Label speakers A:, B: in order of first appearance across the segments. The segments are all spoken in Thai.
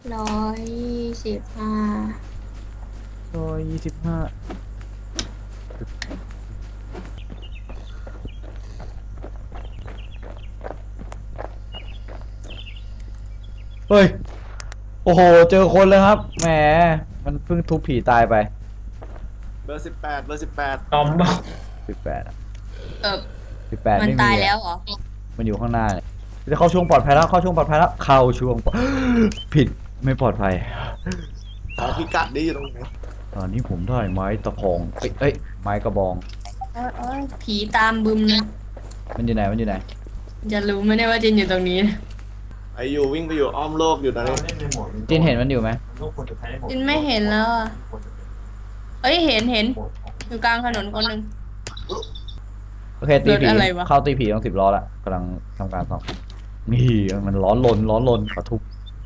A: 125
B: 125เฮ้ยโอ้โหเจอคนเลยครับแหมมันเพิ่งทุบผีตายไป
C: เบอร์18เบอร์18
D: ตอมบอก
B: 18อะ
A: เออ
B: 18
A: มันตาย
B: ไม่มีอะ
A: แล้วเหรอ
B: มันอยู่ข้างหน้าเนี่ยจะเข้าช่วงปลอดภัยแล้วเข้าช่วงปลอดภัยแล้วเข้าช่วงผิดไม่ปลอดภัย
C: ขอพิกัดนี้อยู่ตรงไหน
B: ตอนนี้ผมได้ไม้ตะพองเอ้ยไม้กระบอง
A: ผีตามบึมนะ
B: มันอยู่ไหนมันอยู่ไหน
A: จะรู้ไหมเนี่ยว่าจินอยู่ตรงนี้
C: ไออยู่วิ่งไปอยู่อ้อมโลกอยู่ตอนนี้
B: จินเห็นมันอยู่ไหม
A: จินไม่เห็นแล้วอ่ะเอ้ยเห็นอยู่กลางถนนคนหนึ่ง
B: โอเคตีผี
A: รถอะไรวะ
B: เข้าตีผีต้อง10 ล้อละกำลังทำการสอบนี่มันร้อนลนขอทุบ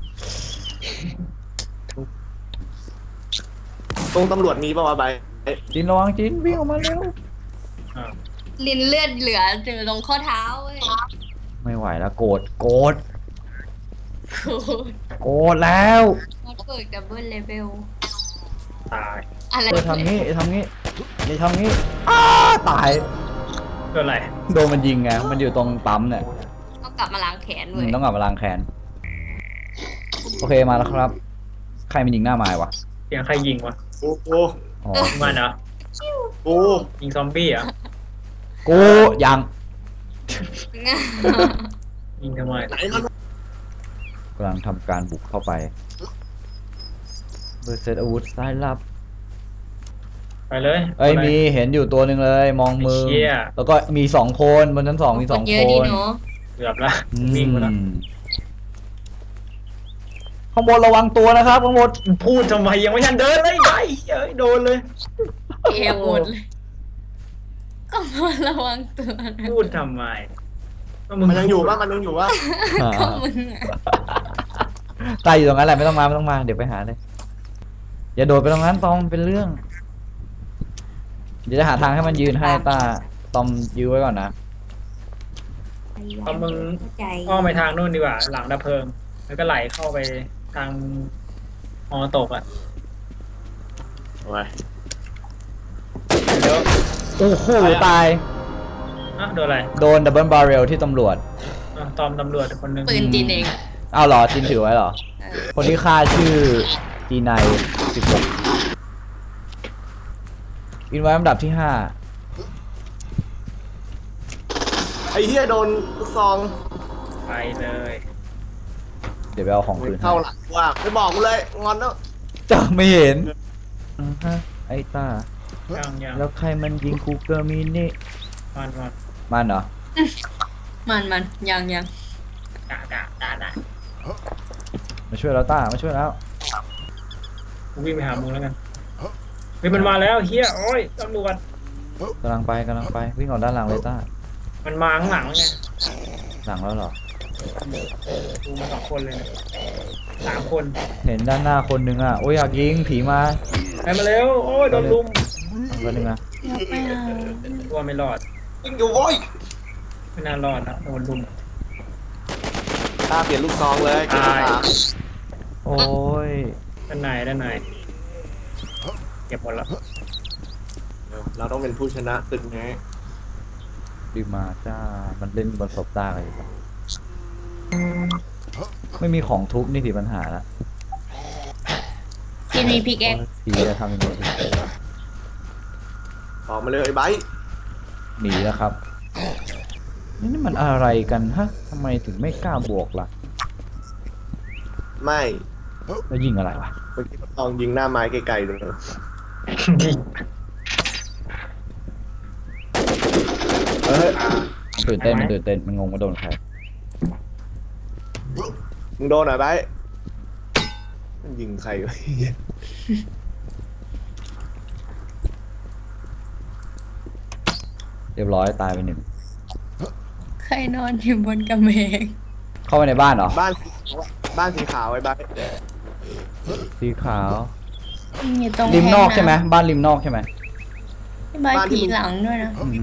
C: ตรงตำรวจมีป่าวะใบ
B: จินระวังจินวิ่งออกมาเร็ว
A: ลินเลือดเหลืออยู่ตรงข้อเท้าเว้ย
B: ไม่ไหวแล้วโกรธ
A: โอ้ย
B: แล้ว
A: มันเปิดดับเบิลเลเวล
D: ตาย
A: อะไร
B: ทำงี้ทำงี้อย่าทำงี้ตาย
D: เกิดอะไร
B: โดนมันยิงไงมันอยู่ตรงปั๊มเนี่ย
A: ต้องกลับมาล้างแขนเว้ย
B: ต้องกลับมาล้างแค้นโอเคมาแล้วครับ ใครมันยิงหน้าไม้วะ
D: เสียงใครยิงวะ
C: โอ้โห
B: อ๋อ
D: มันเหรอ
C: โอ้
D: ยิงซอมบี้เหรอ
B: กูยัง
D: ยิงทำไม
C: ไหนมัน
B: กำลังทำการบุกเข้าไปเบอร์เซตอาวุธสายลับ
D: ไปเลย
B: เอ้ยมีเห็นอยู่ตัวหนึ่งเลยมองมือ
D: ไอ้เชี่ย
B: แล้วก็มี2 คนบนชั้น 2มี2
A: เย
B: ค
A: อะดี
B: น
A: เนาะ
D: เกือบละวิ่งไปแล้ว
B: ข้างบนระวังตัวนะครับข้างบน
D: พูดทำไมยังไม่ทันเดินเลยไอ้เอ้ยโดนเลย
A: เอหมดเลยก็มาระวังตัวนะ
D: พูดทำไมก็
C: มันยังอยู่ป่ะมันยังอยู่ป่ะ
A: ก็มึงอะ
B: ตายอยู่ตรงนั้นแหละไม่ต้องมาเดี๋ยวไปหาเลยอย่าโดดไปตรงนั้นตอมเป็นเรื่อง เดี๋ยวจะหาทางให้มันยืนให้ตาตอมยื้อไว้ก่อนนะ
D: เอามึง
A: เข้าใจ
D: อ้อมไปทางนู่นดีกว่า หลังดับเพลิง แล้วก็ไหลเข้าไปทางฮอตกอ่ะ
C: โอ้ย
D: เดี๋ยว
B: โอ้โหตาย
D: อ่ะโดนอะไร
B: โดนดับเบิลบาร์เรลที่ตำรวจ
D: อ่ะตอมตำรวจคนหนึง
A: ปืนจีนเอง
B: อ้าวเหรอจินถือไว้เหรอ
A: เออ
B: คนที่ฆ่าชื่อจีไน16อินไว้ลำดับที่
C: ไอ้เหี้ยโดนลูกซอง
D: ไปเลย
B: 5เดี๋ยวไปเอาของคืนให้
C: เข้าหลังว่าไม่บอกกูเลยงอนแล้ว
B: จะไม่เห็นไอ้ตา
D: ยัง
B: แล้วใครมันยิงคูเกอร์มินี่
D: มัน
B: มันเหรอ
A: มันยัง
D: ด่า
B: มาช่วยแล้วต้ามาช่วยแล้ว
D: กูวิ่งไปหามึงแล้วกันเฮ้ยมันมาแล้วเฮียโอ้ยตำรวจ
B: กำลังไปวิ่งออกด้านหลังเลยต้า
D: มันมาข้างหลังไง
B: หลังแล้วเหรอ
D: ดูมา2 คนเลยนะ3 คน
B: เห็นด้านหน้าคนหนึ่งอ่ะโอ้ยอยากยิงผีมา
D: ไปมาเร็วโอ้ยโดนลุม
B: คนหนึ่งอ่ะ
A: ไม่เอา
D: ตัวไม่รอด
C: ยิงอยู่โว้ย
D: ไม่น่ารอดนะโดนลุม
C: ตาเปลี่ยนลูกซองเลยเก็บ
D: ตาย
C: ขา
B: โอ้ย
D: ด้านในเก็บหมดแล้ว
C: เราต้องเป็นผู้ชนะตึกไง
B: ดีมาจ้ามันเล่นบนศพต้าอะไรอยู่ปะไม่มีของทุบนี่สิปัญหาละ
A: จินมีพิกแอค
B: ผีจะทำยังไงดี
C: ออกมาเลยไอ้ไบค์
B: หนีแล้วครับ นี่มันอะไรกันฮะทำไมถึงไม่กล้าบวกล่ะ
C: ไม่
B: แล้วยิงอะไรวะ
C: เมื่อกี้มันลองยิงหน้าไม้ไกลๆดูนะเฮ้ย
B: มันตื่นเต้นมันงงว่าโดนใคร
C: มึงโดนหน่อยไบค์มันยิงใครวะ
B: เรียบร้อยตายไป1
A: ใครนอนอยู่บนกำแพง
B: เข้าไปในบ้านเหรอ
C: บ้านสีขาวไอ้ไบค์
B: สีขาว
A: อยู่ตรง
B: ริมนอก
A: แท
B: ใช่ไหมบ้านริมนอกใช่ไหม
A: บ้านผีหลังด้วยนะ
B: อืม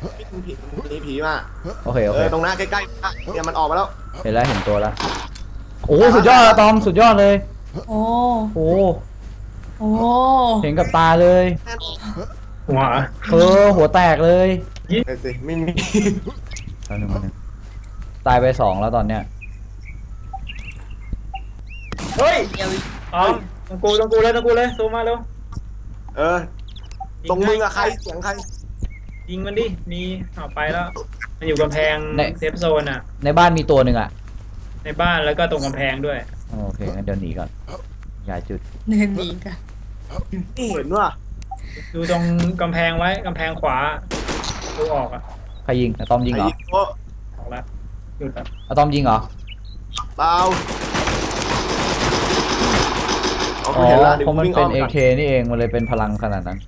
C: มีผีมา
B: โอเค
C: ตรงหน้าใกล้ๆเนี่ยมันออกมาแล้ว
B: เห็นตัวแล้วโอ้สุดยอดอะตอมสุดยอดเลย
A: โอ้
B: โอ้
A: โอ้
B: เห็นกับตาเลย
D: หัว
B: หัวแตกเลย
C: ไอ้สิไม่มี
B: ตอนนึงมันตายไป2แล้วตอนเนี้ย
D: เฮ้ย
A: เดี๋ยว
D: อ๋อตรงกูเลยซูมมาเร็ว
C: เออตรงมึงอะใครเสียงใคร
D: ยิงมันดิมีเอาไปแล้วมันอยู่กำแพงเซฟโซนอ่ะ
B: ในบ้านมีตัวหนึ่งอ่ะ
D: ในบ้านแล้วก็ตรงกำแพงด้วย
B: โอเคงั้นเดี๋ยวหนีก่อนย้ายจุด
A: เดินหนีกัน
C: นี่เห็นว่า
D: ดูตรงกำแพงไว้กำแพงขวาดูออกอ่ะ
B: ใครยิงอะตอมยิงเหรอ
C: ไอ้โอ้
D: ออกแล้วหยุดแล้ว
B: อะตอมยิงเหรอ
C: เปล่าเอา
B: อ๋อ
C: เห็นละเดี๋ยว
B: เพราะมัน
C: วิ่ง
B: เป็
C: อ้อน ม
B: เอ
C: ก่อน
B: เคนี่เองมันเลยเป็นพลังขนาดนั้น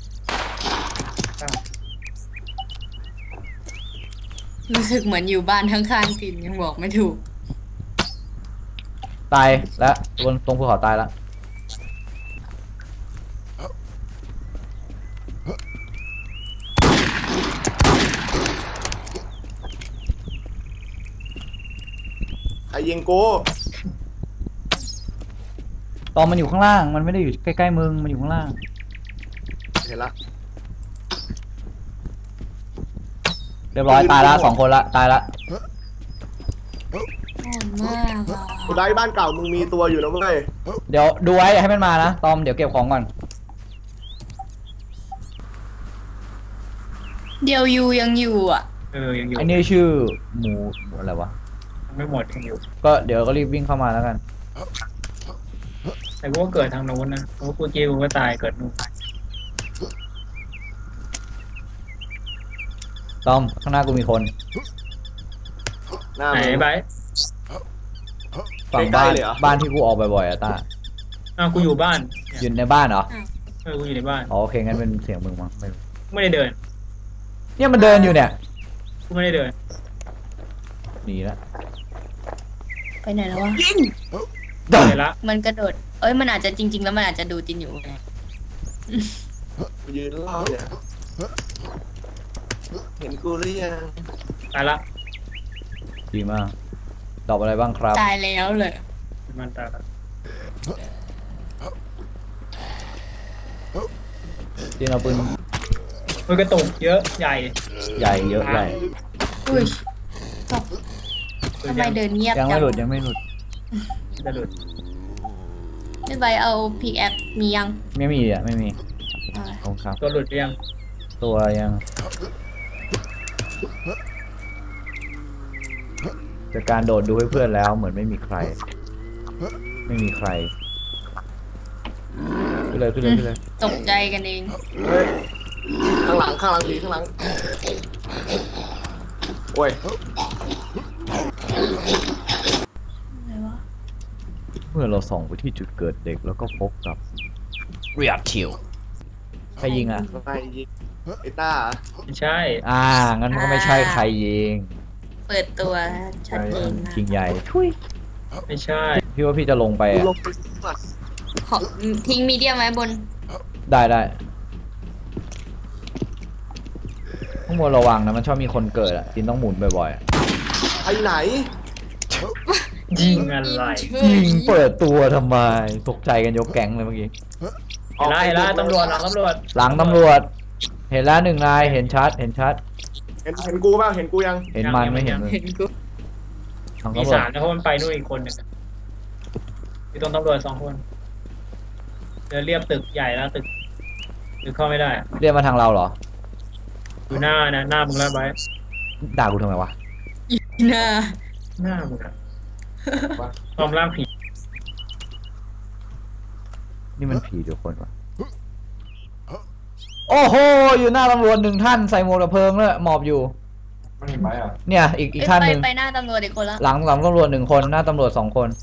A: รู้สึกเหมือนอยู่บ้านข้างๆกินยังบอกไม่ถูก
B: ตายแล้วตรงภูเขาตายแล้ว
C: ใครยิงกู
B: ตอมมันอยู่ข้างล่างมันไม่ได้อยู่ใกล้ๆมึงมันอยู่ข้างล่าง
C: เห็นละ
B: เรียบร้อยตายละ2 คนละตายละ
A: โหดมากอ่ะ
C: กูได้บ้านเก่ามึงมีตัวอยู่นะเว้ย
B: เดี๋ยวดูไว้อย่าให้มันมานะตอมเดี๋ยวเก็บของก่อน
A: เดี๋ยวยูยังอยู่อ่ะ
D: ยังอยู่
B: ไอ้นี่ชื่อหมูอะไรวะ
D: ไม่หมดยังอยู่
B: ก็เดี๋ยวก็รีบวิ่งเข้ามาแล้วกัน
D: แต่กูก็เกิดทางโน้นนะเพราะกูกิ้วก็ตายเกิดนู่น
B: ตอมข้างหน้ากูมีคน
C: หน้า
D: ไหน
C: มึง
D: ไป
B: ฝั่ง
C: ใกล้
B: บ้าน
C: ๆเลยเหรอ
B: บ้านที่กูออกบ่อยๆอะตา
D: อ้าวกูอยู่บ้าน
B: อยู่ในบ้านเหรอ
D: กูอยู่ในบ้าน
B: อ๋อโอเคงั้นเป็นเสียงมึงมั้งไม่รู้
D: ไม่ได้เดิน
B: เนี่ยมันเดินอยู่เนี่ย
D: กูไม่ได้เดิน
B: หนีละ
A: ไปไหนแล้ววะ
D: เดินละ
A: มันกระโดด เอ้ยมันอาจจะจริง ๆ แล้วมันอาจจะดูจินอยู่ไง
C: กูยืนรอเนี่ยเห็นกูหรือยัง
D: ตายละ
B: ดีมากตอบอะไรบ้างครับ
A: ตายแล้วเลย
D: มันตายละ
B: ที่เราปืน
D: มันกระตุกเยอะใหญ่
B: ใหญ่เยอะใหญ่
A: อุ้ยตกทำไมเดินเงียบ
B: ยัง
A: จั
B: ไม่
A: ง
B: หลุดยังไม่หลุด
D: จะหลุด
A: ไม่ไปเอาพิกแอคมียัง
B: ไม่มีอ่ะไม่มี
A: อ่า
B: ขอบคุณครับ
D: ตัวหลุดหรือยัง
B: ตัวยังจากการโดดดูให้เพื่อนแล้วเหมือนไม่มีใคร ไม่มีใครขึ้นเลยขึ้นเลยขึ้นเลย
A: ตกใจกันเอง
C: เฮ้ยข้างหลังผีข้างหลังโอ้ย
A: อะไรวะ
B: เมื่อเราส่องไปที่จุดเกิดเด็กแล้วก็พบกับเรียบชิวใครยิงอ่ะ
C: ใครยิงไอ้ต้า
D: ไม่ใช่
B: งั้นมันก็ไม่ใช่ใครยิง
A: เปิดตัวชัดเจนนะ
B: จริงใหญ่ทุย
D: ไม่ใช่
B: พี่ว่าพี่จะลงไป
C: กู
B: อ่ะ
C: ลงไปสัตว์
A: ขอทิ้งมีเดียมไว้บน
B: ได้ข้างบนระวังนะมันชอบมีคนเกิดอ่ะจินต้องหมุนบ่อยๆอะ
C: ไปไหน
D: ยิงอะไร
B: ยิงเปิดตัวทำไมตกใจกันยกแก๊งเลยเมื่อกี้
D: เห็นละตำรวจหลังตำรวจ
B: หลังตำรวจ เห็นแล้ว1 นายเห็นชัดเห็นชัด
C: เห็นกูบ้างเห็นกูยัง
B: เห็นมันไม่เห็นมึง
A: เห็นกู
B: ทาง
D: มี
B: ตำรวจ
D: 3นะเพราะมันไปนู่นอีกคนหนึงอยู่ตรงตำรวจ2 คนเดินเรียบตึกใหญ่แล้วตึกเข้าไม่ได้
B: เรียกมาทางเราเหรอ
D: อยู่หน้านะหน้ามึงแล้วไว้
B: ด่ากูทำไมวะ
A: หน้า
D: หน้ามึงอะตอมร่างผี
B: นี่มันผีเดียวคนวะโอ้โหอยู่หน้าตำรวจ1 ท่านใส่หมวกดับเพลิงเลยหมอบอยู่
C: ไม่เห็นไหมอ่ะ
B: เนี่ยอีกท่านหนึ่ง
A: ไปหน้าตำรวจอีกคนละ
B: หลังตำรวจ1 คนหน้าตำรวจ2 คน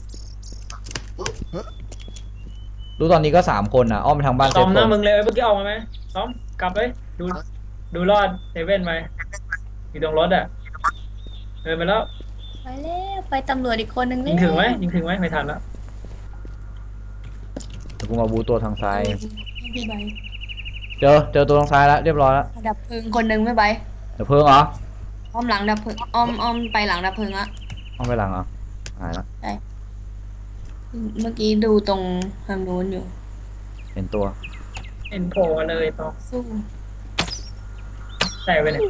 B: รู้ตอนนี้ก็3 คนนะอ้อมไปทางบ้านเซ
D: ตอ
B: ฟ
D: มห
B: โซ
D: น้าน มึงเลยเมื่อกี้ออกมาไหมตอมกลับเลยดูรอดเซเว่นไปอยู่ตรงรถอ่ะเดินไปแล้ว
A: ไปแล้วไปตำรวจอีกคนนึง
D: ยิงถึงไหมไม่ทันแล้ว
B: เดี๋ยวกูมาบูตัวทางซ้าย
A: พี่ใบ
B: เจอตัวทางซ้ายแล้วเรียบร้อยแล้ว
A: ดับเพลิงคนนึงไม่ไป
B: เดี๋ยวเพิ่งเหรอ
A: อ้อมหลังดับเพลิงอ้อมไปหลังดับเพลิงละ
B: ต้องไปหลังเหรอหายแล้ว
A: เมื่อกี้ดูตรงทางนู้นอยู่
B: เห็นตัว
D: เอ็นโผล่มาเลยต้อง
A: สู้
D: ใส่ไปเนี่ย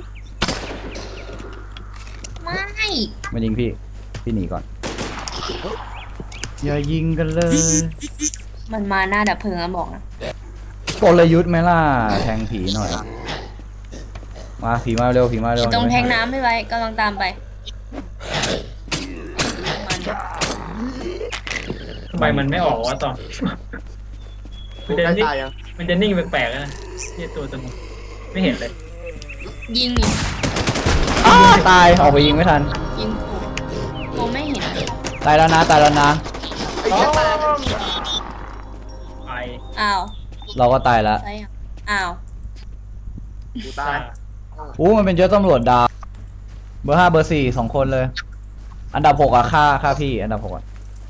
A: ไม่
B: มายิงพี่หนีก่อน อย่ายิงกันเลย
A: มันมาหน้าดับเพลิงอะบอกนะ
B: กลยุทธ์ไหมล่ะแทงผีหน่อย มาผีมาเร็วผีมาเร็ว
A: ตรงแทงน้ำไม่ไว้กำลังตามไปมัน
D: ทำไมมันไม่ออกวะตอง
C: กูใกล้ตายยัง
D: มันจะนิ่งแปลกๆนะที่ตัวสมุนไม่เห็นเลย
A: ยิงนี่
B: อ้าตายออกไปยิงไม่ทัน
A: ยิงขู่กูไม่เห็น
B: ตายแล้วนะตายแล้วนะ
C: ไอ้เหี้ยตาย
D: ไป
A: อ้าว
B: เราก็ตายแล้ว
A: ใช่ยังอ้าว
C: กูตาย
B: อู้มันเป็นเยอะตำรวจดาวเบอร์ 5 เบอร์ 4 2 คนเลย อันดับ 6อะฆ่าพี่อันดับ 6อะ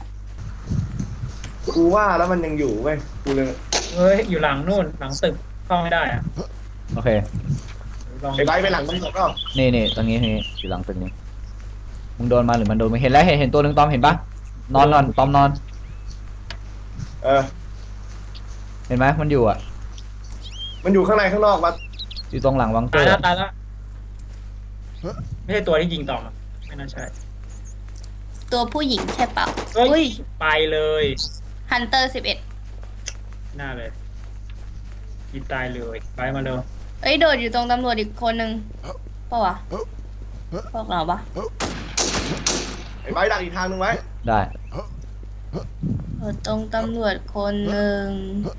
C: กูว่าแล้วมันยังอยู่เว้ยกูเลย
D: เฮ้ยอยู่หลังนู่นหลังตึกเข้าไม่ได้อะ
B: โอเค
D: ลอง
C: ไอ้ไบร์ทไปหลังตำรวจก็
B: นี่ตรงนี้อยู่หลังตึกนี้มึงโดนมาหรือมันโดนไม่เห็นแล้วเห็นตัวหนึ่งตอมเห็นปะนอนตอมนอน
C: เออ
B: เห็นไหมมันอยู่อะ
C: มันอยู่ข้างในข้างนอกวะ
B: อยู่ตรงหลังวังเก
D: ตา
B: อย
D: แล้ว
B: ร์
D: ตายแล้วไม่ใช่ตัวที่ยิงต่อมอะไม่น่าใช่
A: ตัวผู้หญิงใช่เปล่า
D: เฮ้ย
A: อุ้ย
D: ไปเลย
A: ฮันเตอร์11
D: หน้าเลยยิงตายเลยไปมาเร็ว
A: เอ้ยโดดอยู่ตรงตำรวจอีกคนนึงเปล่าวะพวกเราปะ
C: ไอ้ไบร์ทดักอีกทางนึงไว้
B: ได้
A: โดดตรงตำรวจคนหนึ่ง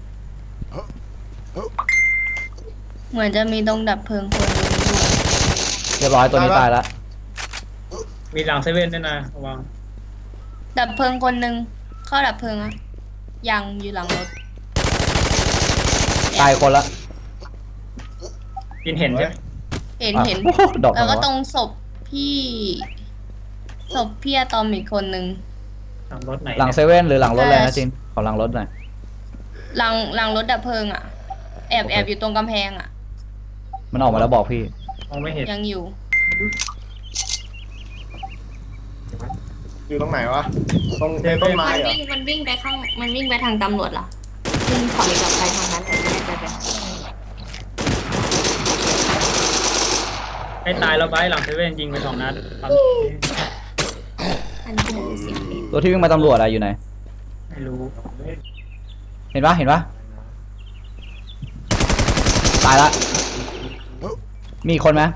A: เหมือนจะมีตรงดับเพลิงคนหนึงอยู่
B: เรียบร้อยตัวนี้ตายแล้ว
D: มีหลังเซเว่นด้วยนะระวัง
A: ดับเพลิงคนหนึ่งเข้าดับเพลิงอะยังอยู่หลังรถ
B: ตายคนละ
D: ยินเห็นใช่ไหม
A: เห็น
B: อ่ะ
A: เห็น
B: โอ้โหดอก
A: แล้วก็
B: เหรอ
A: ตรงศพพี่อะตอมอีกคนนึง
D: หลังรถไหน
B: หลังเซเว่นหรือหลังรถเลยนะจินขอหลังรถหน่อย
A: หลังรถดับเพลิงอะแอบอยู่ตรงกำแพงอะ
B: มันออกมาแล้วบอกพี่
D: มองไม่เห็น
A: ยังอยู่
C: อยู่ตรงไหนวะตรงในต้นไม้
A: มัน
C: เหรอ
A: วิ่งไปทางตำรวจเหรอวิ่งถอยกลับไปทางนั้นแต่ไม่ได้ไป
D: ให้ตายแล้วไปหลังเซเว่นยิงไป2 นัดปั๊บ
A: อันนี้คือเสียงเอง
B: ตัวที่วิ่งมาตำรวจอะอยู่ไหน
D: ไม่รู้
B: เห็นปะตายละมีคนไหม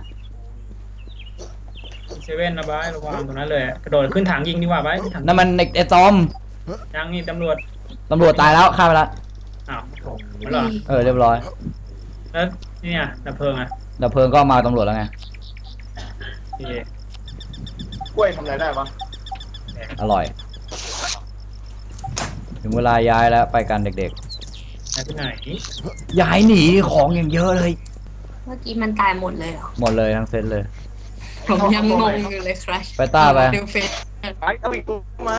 D: เซเว่นนะบายระวังตรงนั้นเลยกระโดดขึ้นถังยิงดีกว่าบายขึ้นถัง
B: นั่นมันไอ้ตอม
D: ยังนี่ตำรวจ
B: ตำรวจตายแล้วฆ่าไปละ
D: อ้าวไม่หรอ
B: เรียบร้อย
D: แล้วเนี่ยดับเพลิงอ่ะ
B: ดับเพลิงก็มาตำรวจแล้วไง
D: โอเค
C: กล้วยทำอะไรได้ปะ
B: อร่อย ถึงเวลาย้ายแล้วไปกันเด็ก
D: แล้วที่ไหน
B: ๆ ย้ายหนีของอย่างเยอะเลย
A: เมื่อกี้มันตายหมดเลยเหรอ
B: หมดเลยทั้งเซตเลย
A: ผมยังงงอยู่เลยครับ
B: ไปต้าไป
A: ดูเฟซ
C: ไปเอาอีกตัวมา